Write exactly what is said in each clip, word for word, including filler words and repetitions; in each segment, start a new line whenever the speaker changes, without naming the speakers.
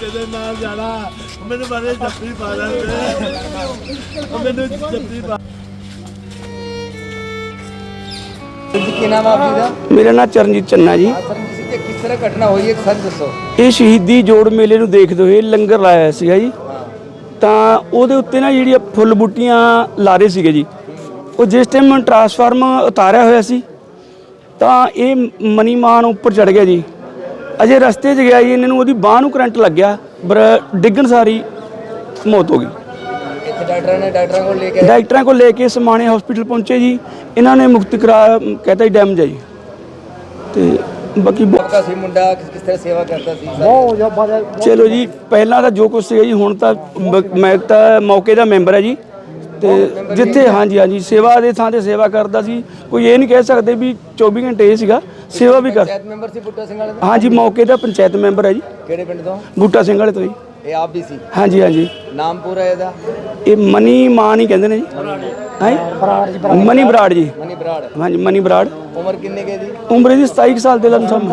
तेरे नाल जाना मैंने बारे जप्पी पा रहा मैंने जप्पी पा
ਕੀ ਨਾਮ ਆਪ ਜੀ ਦਾ?
ਮੇਰਾ ਨਾਮ ਚਰਨਜੀਤ ਚੰਨਾ ਜੀ।
ਸਰਨਜੀਤ ਸਿੰਘ ਜੀ, ਕਿਸ ਤਰ੍ਹਾਂ ਘਟਨਾ ਹੋਈ ਹੈ ਸਰ ਦੱਸੋ।
ਇਹ ਸ਼ਹੀਦੀ ਜੋੜ ਮੇਲੇ ਨੂੰ ਦੇਖਦੇ ਹੋਏ ਲੰਗਰ ਲਾਇਆ ਸੀਗਾ ਜੀ, ਤਾਂ ਉਹਦੇ ਉੱਤੇ ਨਾ ਜਿਹੜੀਆਂ ਫੁੱਲ ਬੂਟੀਆਂ ਲਾ ਰਹੇ ਸੀਗੇ ਜੀ, ਉਹ ਜਿਸ ਟਾਈਮ ਟਰਾਂਸਫਾਰਮ ਉਤਾਰਿਆ ਹੋਇਆ ਸੀ ਤਾਂ ਇਹ ਮਨੀ ਮਾਨ ਉੱਪਰ ਚੜ ਗਿਆ ਜੀ। ਅਜੇ ਰਸਤੇ 'ਚ ਗਿਆ ਜੀ, ਇਹਨਾਂ ਨੂੰ ਉਹਦੀ ਬਾਂਹ ਨੂੰ ਕਰੰਟ ਲੱਗਿਆ, ਪਰ ਡਿੱਗਣ ਸਾਰੀ ਮੌਤ ਹੋ ਗਈ।
ਇੱਥੇ ਡਾਕਟਰਾਂ ਨੇ ਡਾਕਟਰਾਂ ਕੋਲ ਲੈ ਕੇ
ਡਾਕਟਰਾਂ ਕੋਲ ਲੈ ਕੇ ਸਮਾਣੇ ਹਸਪੀਟਲ ਪਹੁੰਚੇ ਜੀ, ਇਹਨਾਂ ਨੇ ਮੁਕਤ ਕਰਾ ਕਹਿਤਾ ਜੀ ਡੈਮੇਜ ਹੈ ਜੀ। ਤੇ ਬਾਕੀ
ਆਪਕਾ ਸੀ ਮੁੰਡਾ ਕਿਸ ਕਿਸ ਤਰ੍ਹਾਂ ਸੇਵਾ ਕਰਦਾ ਸੀ?
ਚਲੋ ਜੀ, ਪਹਿਲਾਂ ਤਾਂ ਜੋ ਕੁਛ ਸੀਗਾ ਜੀ, ਹੁਣ ਤਾਂ ਬ- ਮੈਂ ਤਾਂ ਮੌਕੇ ਦਾ ਮੈਂਬਰ ਹੈ ਜੀ। ਤੇ ਜਿੱਥੇ ਹਾਂਜੀ ਹਾਂਜੀ ਸੇਵਾ ਦੇ ਥਾਂ ਤੇ ਸੇਵਾ ਕਰਦਾ ਸੀ, ਕੋਈ ਇਹ ਨਹੀਂ ਕਹਿ ਸਕਦੇ ਵੀ ਚੌਵੀ ਘੰਟੇ ਇਹ ਸੀਗਾ, ਸੇਵਾ ਵੀ ਕਰ।
ਪੰਚਾਇਤ ਮੈਂਬਰ ਸੀ ਬੁੱਟਾ ਸਿੰਘ ਵਾਲੇ ਦਾ?
ਹਾਂਜੀ, ਮੌਕੇ ਦਾ ਪੰਚਾਇਤ ਮੈਂਬਰ ਹੈ ਜੀ,
ਕਿਹੜੇ ਪਿੰਡ ਤੋਂ?
ਬੂਟਾ ਸਿੰਘ ਵਾਲੇ ਤੋਂ ਜੀ।
ਇਹ ਆਪ ਵੀ ਸੀ?
ਹਾਂਜੀ ਹਾਂਜੀ,
ਨਾਮ ਪੂਰਾ ਇਹਦਾ?
ਇਹ ਮਨੀ ਮਾਨ ਹੀ ਕਹਿੰਦੇ ਨੇ ਜੀ। ਹਾਂਜੀ, ਮਨੀ ਬਰਾੜ ਜੀ।
ਮਨੀ ਬਰਾੜ।
ਹਾਂਜੀ, ਮਨੀ ਬਰਾੜ।
ਉਮਰ ਕਿੰਨੇ ਕੇ ਦੀ?
ਉਮਰ ਇਹਦੀ ਸਤਾਈ ਕੁ ਸਾਲ ਦੇ ਲਮਸਮ।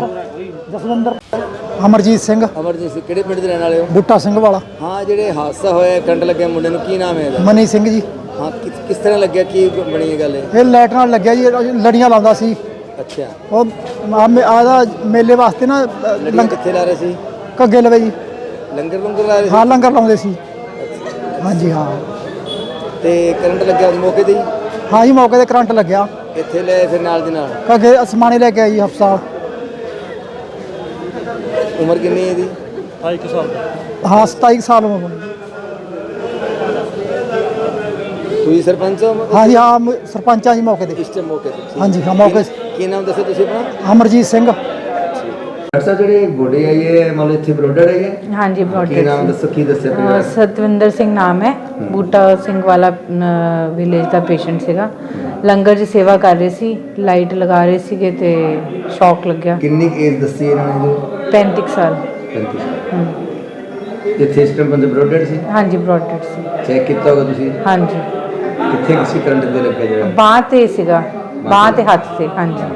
ਅਮਰਜੀਤ ਸਿੰਘ
ਅਮਰਜੀਤ ਸਿੰਘ ਕਿਹੜੇ ਪਿੰਡ ਦੇ ਰਹਿਣ ਵਾਲੇ ਹੋ?
ਬੂਟਾ ਸਿੰਘ ਵਾਲਾ।
ਹਾਂ, ਜਿਹੜੇ ਹਾਦਸਾ ਹੋਇਆ ਕਰੰਟ ਲੱਗਿਆ ਮੁੰਡੇ ਨੂੰ, ਕੀ ਨਾਮ ਹੈ ਇਹਦਾ?
ਮਨੀ ਸਿੰਘ ਜੀ।
ਹਾਂ, ਕਿਸ ਕਿਸ ਤਰ੍ਹਾਂ ਲੱਗਿਆ, ਕੀ ਬਣੀ ਇਹ ਗੱਲ ਇਹ?
ਇਹ ਲਾਈਟ ਨਾਲ ਲੱਗਿਆ ਜੀ, ਲੜੀਆਂ ਲਾਉਂਦਾ ਸੀ
ਅੱਛਾ,
ਉਹ ਆਦਾ ਮੇਲੇ ਵਾਸਤੇ ਨਾ
ਲੜੀਆਂ
ਲੰਗਰ
ਕਿੱਥੇ ਲਾ ਰਹੇ ਸੀ?
ਕੱਗੇ ਲਵੇ ਜੀ।
ਲੰਗਰ ਲੰਗਰ ਲਾ ਰਹੇ ਸੀ?
ਹਾਂ, ਲੰਗਰ ਲਾਉਂਦੇ ਸੀ। ਹਾਂਜੀ ਹਾਂ।
ਤੇ ਕਰੰਟ ਲੱਗਿਆ ਉਸ ਮੌਕੇ ਤੇ ਹੀ?
ਹਾਂ ਜੀ, ਮੌਕੇ ਤੇ ਕਰੰਟ ਲੱਗਿਆ।
ਇੱਥੇ ਲੈ ਫਿਰ ਨਾਲ ਦੀ ਨਾਲ?
ਕੱਗੇ ਅਸਮਾਨੇ ਲੈ ਕੇ ਆਈ ਹਸਪਤਾਲ।
ਉਮਰ ਕਿੰਨੀ ਹੈ ਇਹਦੀ?
ਹਾਂ, ਸਤਾਈ ਕੁ ਸਾਲ ਉਮਰ।
ਤੁਸੀਂ ਸਰਪੰਚ ਹੋ?
ਹਾਂ ਜੀ ਹਾਂ, ਮ- ਸਰਪੰਚ ਆ ਜੀ ਮੌਕੇ ਤੇ।
ਇਸ ਟਾਈਮ ਮੌਕੇ ਤੇ? ਠੀਕ।
ਹਾਂਜੀ ਹਾਂ, ਮੌਕੇ
ਕੀ- ਕੀ ਨਾਮ ਦੱਸੋ ਤੁਸੀਂ ਆਪਣਾ?
ਅਮਰਜੀਤ ਸਿੰਘ।
ਡਾਕਟਰ ਸਾਹਿਬ, ਜਿਹੜੇ ਬੋਡੀ ਆਈ ਹੈ ਮਤਲਬ ਇੱਥੇ ਬਰੋਡਰ ਹੈਗੇ?
हाँ जी,
ਕੀ
ब्रॉडगेज
ਨਾਮ
से।
ਦੱਸੋ, ਕੀ ਦੱਸਿਆ
अ,
ਪਰਿਵਾਰ?
सतविंदर सिंह नाम है, बूटा सिंह वाला ਵਿਲੇਜ ਦਾ ਪੇਸ਼ੈਂਟ ਸੀਗਾ। ਲੰਗਰ 'ਚ ਸੇਵਾ ਕਰ ਰਹੇ ਸੀ, ਲਾਈਟ ਲਗਾ ਰਹੇ ਸੀਗੇ ਤੇ ਸ਼ੌਕ ਲੱਗਿਆ।
ਕਿੰਨੀ ਏਜ ਦੱਸੀ ਇਹਨਾਂ ਨੇ ਜੋ?
ਪੈਂਤੀ ਕੁ ਸਾਲ।
ਪੈਂਤੀ
ਹਮ,
ਇੱਥੇ ਇਸ ਟਾਈਮ ਬੰਦੇ ਬਰੋਡਰ ਸੀ?
ਹਾਂਜੀ, ਬ੍ਰੌਡਗੇਜ ਸੀ।
ਚੈੱਕ ਕੀਤਾ ਹੋਗਾ ਤੁਸੀਂ?
ਹਾਂਜੀ,
ਕਿੱਥੇ ਕਿਸੇ ਕਰੰਟ ਦੇ ਲੱਗਿਆ ਜਿਹੜਾ?
ਬਾਂਹ ਤੇ ਸੀਗਾ, ਬਾਂਹ ਤੇ ਹੱਥ ਤੇ। ਹਾਂਜੀ,